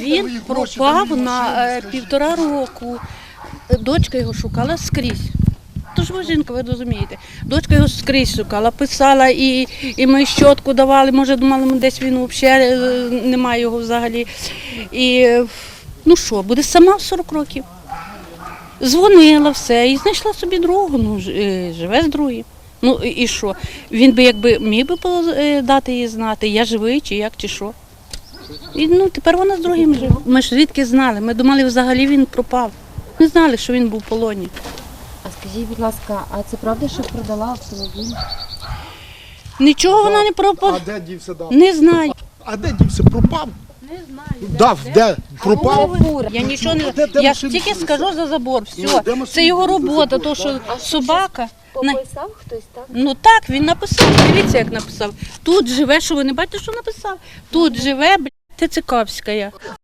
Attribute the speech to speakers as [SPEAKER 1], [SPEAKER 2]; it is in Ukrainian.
[SPEAKER 1] Він пропав на 1,5 року. Дочка його шукала скрізь. Тож ви жінка, ви розумієте. Дочка його скрізь шукала, писала, і ми щотку давали, може думали, десь він взагалі немає його взагалі. І ну що, буде сама в 40 років. Дзвонила все і знайшла собі другу, ну живе з другим. Ну і що? Він би якби міг би дати їй знати, я живий чи як, чи що. І ну тепер вона з другим живе. Ми ж звідки знали, ми думали взагалі він пропав. Не знали, що він був в полоні.
[SPEAKER 2] А скажіть, будь ласка, а це правда, що продала автомобіль?
[SPEAKER 1] Нічого вона не пропав.
[SPEAKER 3] А де дівся дав?
[SPEAKER 1] Не знаю.
[SPEAKER 3] А де дівся? Пропав?
[SPEAKER 1] Не знаю.
[SPEAKER 3] Дав, де? Пропав?
[SPEAKER 1] Я нічого не
[SPEAKER 3] Де
[SPEAKER 1] я
[SPEAKER 3] машина
[SPEAKER 1] ж тільки
[SPEAKER 3] стоїть?
[SPEAKER 1] скажу за забор.
[SPEAKER 3] Ну,
[SPEAKER 1] Все,
[SPEAKER 3] де машина
[SPEAKER 1] це його
[SPEAKER 3] стоїть за
[SPEAKER 1] робота,
[SPEAKER 3] забор,
[SPEAKER 1] то що собака.
[SPEAKER 2] Пописав хтось, так?
[SPEAKER 1] Ну так, він написав. Дивіться, як написав. Тут живе, що ви не бачите, що написав? Тут живе, блядь, Тицикавська.